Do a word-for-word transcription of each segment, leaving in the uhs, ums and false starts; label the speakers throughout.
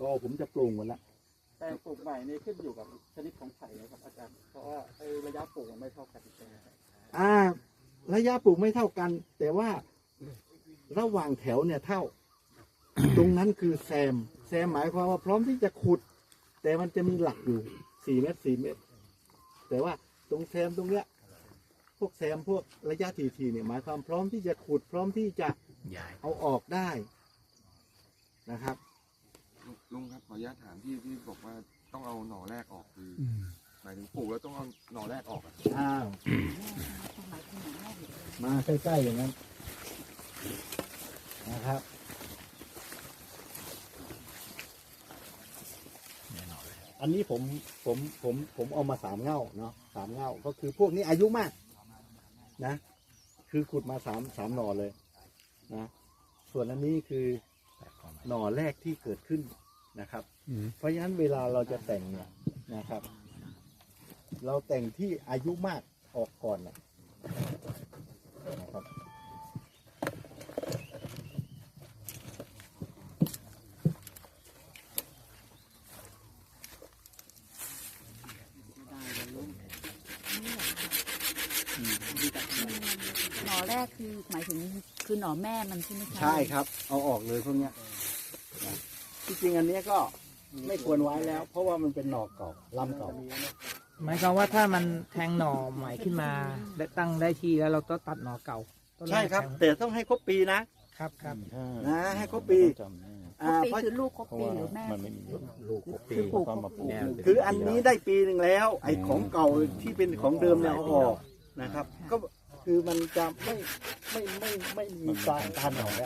Speaker 1: ก็ผมจะปลูกหมดละ
Speaker 2: แปลงปลูกใหม่นี่ขึ้นอยู่กับชนิดของไผ่นะครับอาจารย์เพราะว่าระยะปลูกมันไม่เท่ากันใช่ไหมครับ
Speaker 1: อ่าระยะปลูกไม่เท่ากัน แต่ว่าระหว่างแถวเนี่ยเท่า ตรงนั้นคือแซมแซมหมายความว่าพร้อมที่จะขุด แต่มันจะมีหลักอยู่สี่เมตรสี่เมตรแต่ว่าตรงแซมตรงเนี้ยพวกแซมพวกระยะทีทีเนี่ยหมายความพร้อมที่จะขุด พร้อมที่จะเอาออกได้นะครับ
Speaker 3: ลุงครับขออนุญาตถามที่ที่บอกว่าต้องเอาหน่อแรกออกคือหมายถึงปลูกแล้วต้องเอาหน่อแรกออกอ่ะ
Speaker 1: อ้าวมาใกล้ๆอย่างนั้นนะครับอันนี้ผมผมผมผมเอามาสามเง่าเนาะสามเง่าก็คือพวกนี้อายุมากนะคือขุดมาสามสามหน่อเลยนะส่วนอันนี้คือหน่อแรกที่เกิดขึ้นนะครับเพราะฉะนั้นเวลาเราจะแต่งเนี่ยนะครับ เราแต่งที่อายุมากออกก่อนนะครับ
Speaker 4: หน่อแรกคือหมายถึงคือหน่อแม่มันใช่ไหมคะ
Speaker 1: ใช่ครับเอาออกเลยพวกเนี้ยที่จริงอันนี้ก็ไม่ควรไว้แล้ว เพราะว่ามันเป็นหน่อเก่าลำเก่า
Speaker 5: หมายความว่าถ้ามันแทงหน่อใหม่ขึ้นมาได้ตั้งได้ที่แล้วเราต้องตัดหน่อเก่า
Speaker 1: ใช่ครับแต่ต้องให้ครบปีนะครับ
Speaker 5: ครับ
Speaker 1: นะให้ครบปี
Speaker 4: ครบปีคือลูกครบปีหรือแม่
Speaker 1: ลูกครบปี
Speaker 4: คือปลูกครบปี
Speaker 1: คืออันนี้ได้ปีหนึ่งแล้วไอ้ของเก่าที่เป็นของเดิมเนี่ยเอาออกนะครับก็คือมันจะไม่ไม่ไม่ไม่มีการทานหน่อแล้ว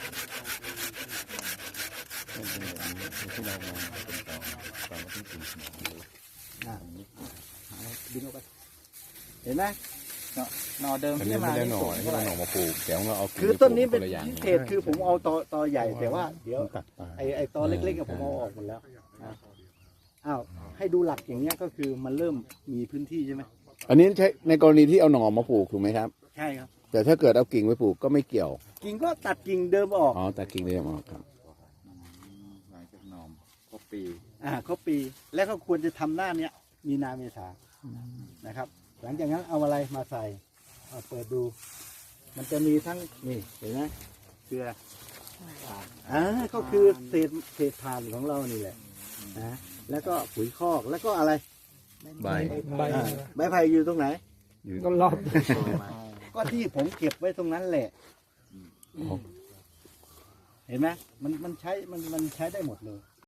Speaker 1: ดึงออกไปเห็นไหม
Speaker 3: หน่อเดิมที่มาไม่ได้หน่อที่เราหน่อมาปลูกแต่ว่าเอา
Speaker 1: คือต้นนี้เป็นพิเศษคือผมเอาตอตอใหญ่แต่ว่าเดี๋ยวไอไอตอเล็กๆผมเอาออกหมดแล้วอ้าวให้ดูหลักอย่างเงี้ยก็คือมันเริ่มมีพื้นที่ใช่ไหม
Speaker 6: อันนี้ใช้ในกรณีที่เอาหน่อมาปลูกถูกไหมครับ
Speaker 1: ใช่ครับ
Speaker 6: แต่ถ้าเกิดเอากิ่งไปปลูกก็ไม่เกี่ยว
Speaker 1: กิ่งก็ตัดกิ่งเดิมออก
Speaker 6: อ๋อตัดกิ่งเดิมออกครับ
Speaker 3: หลังจากหน่อครบปี
Speaker 1: อ่าครบปีแล้วก็ควรจะทำหน้าเนี้ยมีนาเมษานะครับหลังจากนั้นเอาอะไรมาใส่เอาเปิดดูมันจะมีทั้งนี่เห็นไหมเกลืออ่าก็คือเศษเศษถ่านของเรานี่แหละนะแล้วก็ปุ๋ยคอกแล้วก็อะไร
Speaker 6: ใบ
Speaker 5: ใบ
Speaker 1: ใบไผ่อยู่ตรงไหน
Speaker 5: ก็รอบ
Speaker 1: ก็ที่ผมเก็บไว้ตรงนั้นแหละเห็นไหมมันมันใช้มันมันใช้ได้หมดเลย